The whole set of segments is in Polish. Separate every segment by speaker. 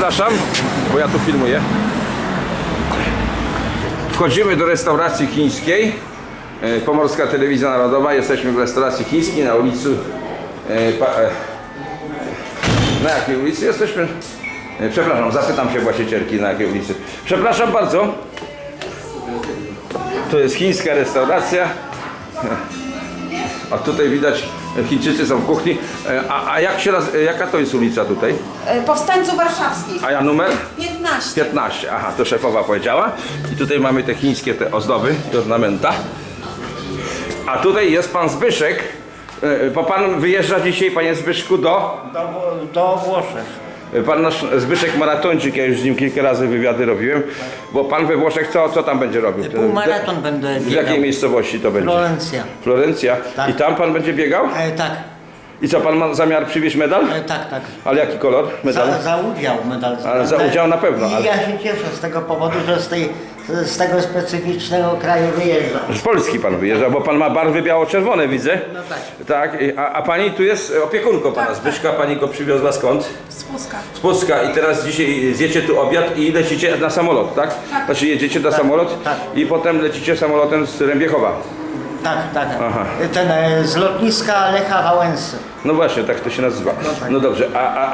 Speaker 1: Przepraszam, bo ja tu filmuję. Wchodzimy do restauracji chińskiej. Pomorska Telewizja Narodowa. Jesteśmy w restauracji chińskiej na ulicy. Na jakiej ulicy jesteśmy? Przepraszam, zapytam się właścicielki, na jakiej ulicy. Przepraszam bardzo. To jest chińska restauracja. A tutaj widać, Chińczycy są w kuchni. Jaka to jest ulica tutaj?
Speaker 2: Powstańców Warszawskich.
Speaker 1: A ja numer?
Speaker 2: 15.
Speaker 1: 15. Aha, to szefowa powiedziała. I tutaj mamy te chińskie ozdoby, te ornamenta. A tutaj jest pan Zbyszek. Bo pan wyjeżdża dzisiaj, panie Zbyszku,
Speaker 3: Do Włoszech.
Speaker 1: Pan nasz Zbyszek maratończyk, ja już z nim kilka razy wywiady robiłem. Bo pan we Włoszech co tam będzie robił?
Speaker 3: Półmaraton będę biegał.
Speaker 1: W jakiej miejscowości to będzie?
Speaker 3: Florencja.
Speaker 1: Florencja.
Speaker 3: Tak.
Speaker 1: I tam pan będzie biegał?
Speaker 3: Tak.
Speaker 1: I co, pan ma zamiar przywieźć medal?
Speaker 3: Tak.
Speaker 1: Ale jaki kolor medalu?
Speaker 3: Za udział medal.
Speaker 1: Ale za udział na pewno,
Speaker 3: I
Speaker 1: ale-
Speaker 3: ja się cieszę z tego powodu, że z tego specyficznego kraju wyjeżdżam.
Speaker 1: Z Polski pan wyjeżdża, bo pan ma barwy biało-czerwone, widzę.
Speaker 3: No tak.
Speaker 1: Tak, a pani tu jest opiekunką pana Zbyszka, pani go przywiozła skąd?
Speaker 2: Z Puska.
Speaker 1: Z Pucka i teraz dzisiaj zjecie tu obiad i lecicie na samolot, tak? Znaczy jedziecie na samolot
Speaker 3: tak.
Speaker 1: i potem lecicie samolotem z Rębiechowa.
Speaker 3: Tak.
Speaker 1: Aha.
Speaker 3: Ten z lotniska Lecha Wałęsy.
Speaker 1: No właśnie, tak to się nazywa.
Speaker 3: tak.
Speaker 1: No dobrze,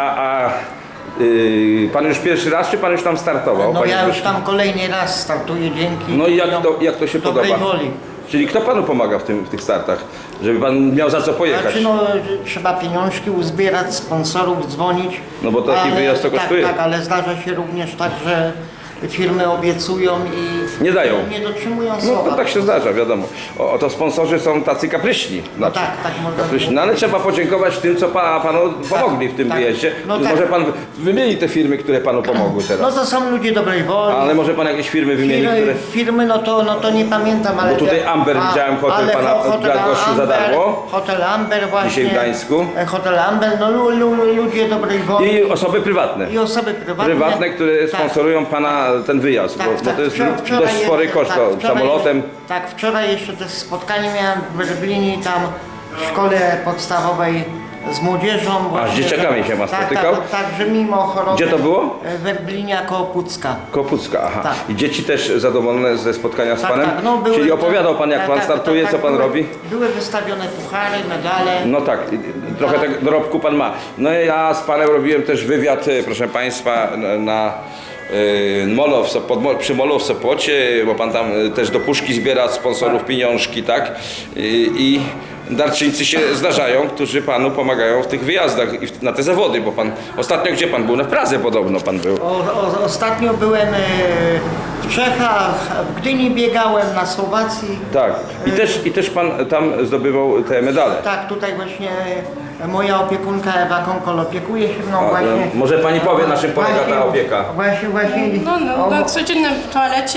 Speaker 1: pan już pierwszy raz, czy pan już tam startował?
Speaker 3: No
Speaker 1: panie
Speaker 3: ja już
Speaker 1: Zbyszku?
Speaker 3: tam kolejny raz startuję dzięki
Speaker 1: No i jak to się
Speaker 3: dobrej
Speaker 1: podoba?
Speaker 3: woli.
Speaker 1: Czyli kto panu pomaga w tych startach? Żeby pan miał za co pojechać?
Speaker 3: Znaczy no, trzeba pieniążki uzbierać, sponsorów dzwonić.
Speaker 1: No bo taki wyjazd to kosztuje.
Speaker 3: Tak, ale zdarza się również tak, że firmy obiecują i
Speaker 1: Nie dają.
Speaker 3: nie dotrzymują
Speaker 1: No
Speaker 3: słowa.
Speaker 1: to tak się zdarza, wiadomo. To sponsorzy są tacy kapryśni.
Speaker 3: No tak można
Speaker 1: Kapryśni. No ale trzeba podziękować tym, co panu pomogli w tym
Speaker 3: tak.
Speaker 1: wyjeździe.
Speaker 3: No
Speaker 1: Może
Speaker 3: tak.
Speaker 1: pan wymieni te firmy, które panu pomogły
Speaker 3: No
Speaker 1: teraz.
Speaker 3: to są ludzie dobrej woli.
Speaker 1: Ale może pan jakieś firmy wymieni, które...
Speaker 3: Firmy, no to nie pamiętam, ale...
Speaker 1: Bo tutaj Amber widziałem, hotel
Speaker 3: ale
Speaker 1: pana dla gościu za darmo.
Speaker 3: Hotel Amber właśnie.
Speaker 1: Dzisiaj w Gdańsku.
Speaker 3: Hotel Amber, no ludzie dobrej woli.
Speaker 1: I osoby prywatne.
Speaker 3: I osoby prywatne.
Speaker 1: które
Speaker 3: Tak.
Speaker 1: sponsorują pana ten wyjazd, bo to jest
Speaker 3: Wczoraj
Speaker 1: dość spory koszt, samolotem.
Speaker 3: Tak, wczoraj jeszcze też spotkanie miałem w Werblinie, tam w szkole podstawowej z młodzieżą.
Speaker 1: A z
Speaker 3: właśnie,
Speaker 1: dzieciakami
Speaker 3: że-
Speaker 1: się pan
Speaker 3: tak,
Speaker 1: spotykał?
Speaker 3: Tak, że mimo choroby.
Speaker 1: Gdzie to było?
Speaker 3: W Werblinie koło Pucka.
Speaker 1: Kopucka, aha.
Speaker 3: Tak.
Speaker 1: I dzieci też zadowolone ze spotkania z panem?
Speaker 3: No,
Speaker 1: Czyli opowiadał pan, jak pan startuje, co pan
Speaker 3: były,
Speaker 1: robi?
Speaker 3: Były wystawione puchary, medale.
Speaker 1: No tak, trochę tego dorobku pan ma. No i ja z panem robiłem też wywiad, proszę państwa, na molo przy molu w Sopocie, bo pan tam też do puszki zbiera sponsorów pieniążki, tak? I darczyńcy się zdarzają, którzy panu pomagają w tych wyjazdach i na te zawody, bo pan ostatnio gdzie pan był? Na Pradze podobno pan był.
Speaker 3: Ostatnio byłem w Czechach, w Gdyni biegałem, na Słowacji.
Speaker 1: Tak. I też pan tam zdobywał te medale.
Speaker 3: Tak, tutaj właśnie moja opiekunka Ewa Konkol opiekuje się mną
Speaker 1: A,
Speaker 3: właśnie.
Speaker 1: może pani powie, na czym polega ta opieka?
Speaker 3: Właśnie.
Speaker 2: Na codziennym w toalecie,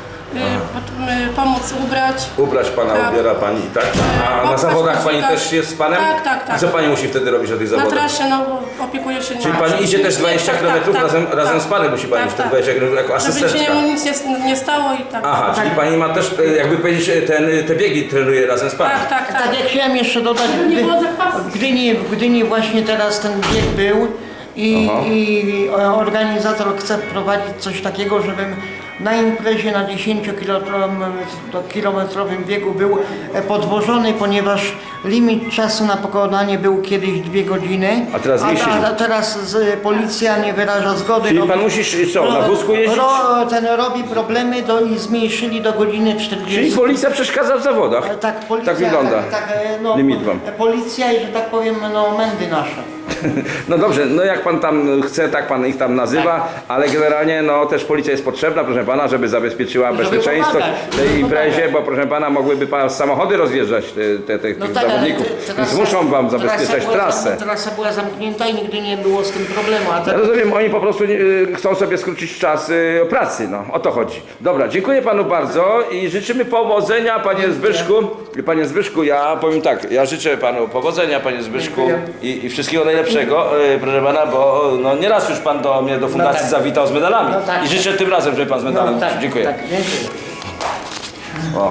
Speaker 2: pomóc ubrać.
Speaker 1: Ubrać pana,
Speaker 2: Tak.
Speaker 1: ubiera pani, tak? A na
Speaker 2: Popchać,
Speaker 1: zawodach pani
Speaker 2: podźwigać.
Speaker 1: też jest z panem?
Speaker 2: Tak.
Speaker 1: I co pani musi wtedy robić na tych
Speaker 2: Na
Speaker 1: zawodach?
Speaker 2: trasie, opiekuje się
Speaker 1: Czyli pani idzie też 20 km razem z panem musi pani iść te 20 km jako
Speaker 2: Żeby się
Speaker 1: asystentka.
Speaker 2: mu nic nie stało i tak.
Speaker 1: Aha, czyli pani ma też, jakby powiedzieć, te biegi trenuje razem z panem.
Speaker 2: Tak.
Speaker 3: Tak, jak chciałem jeszcze dodać,
Speaker 2: Żeby nie było zakwasu.
Speaker 3: w Gdyni właśnie teraz ten bieg był i organizator chce prowadzić coś takiego, żebym na imprezie na 10-kilometrowym biegu był podwożony, ponieważ limit czasu na pokonanie był kiedyś 2 godziny.
Speaker 1: A teraz mieści.
Speaker 3: A teraz policja nie wyraża zgody.
Speaker 1: Czyli pan musi co, na wózku jeździć?
Speaker 3: Ten robi problemy i zmniejszyli do godziny 40.
Speaker 1: Czyli policja przeszkadza w zawodach.
Speaker 3: Tak, policja,
Speaker 1: Tak wygląda. Limit wam.
Speaker 3: Policja i, że tak powiem, mędy nasze.
Speaker 1: No dobrze, no jak pan tam chce, tak pan ich tam nazywa, ale generalnie no też policja jest potrzebna, proszę pana, żeby zabezpieczyła bezpieczeństwo
Speaker 3: pomagać,
Speaker 1: tej
Speaker 3: żeby
Speaker 1: imprezie,
Speaker 3: pomagać.
Speaker 1: bo proszę pana mogłyby pan samochody rozjeżdżać tych zawodników, więc muszą wam zabezpieczać trasę.
Speaker 3: Trasa była zamknięta i nigdy nie było z tym problemu. A
Speaker 1: Ja
Speaker 3: teraz
Speaker 1: rozumiem, oni po prostu chcą sobie skrócić czas pracy, no o to chodzi. Dobra, dziękuję panu bardzo i życzymy powodzenia, panie Zbyszku. Panie Zbyszku, ja powiem tak, ja życzę panu powodzenia, panie Zbyszku, i wszystkiego najlepszego, proszę pana, bo no nieraz już pan do mnie, do fundacji
Speaker 3: tak.
Speaker 1: zawitał z medalami
Speaker 3: No tak.
Speaker 1: i życzę tym razem, żeby pan z medalem.
Speaker 3: tak,
Speaker 1: Dziękuję.
Speaker 3: Tak, dziękuję.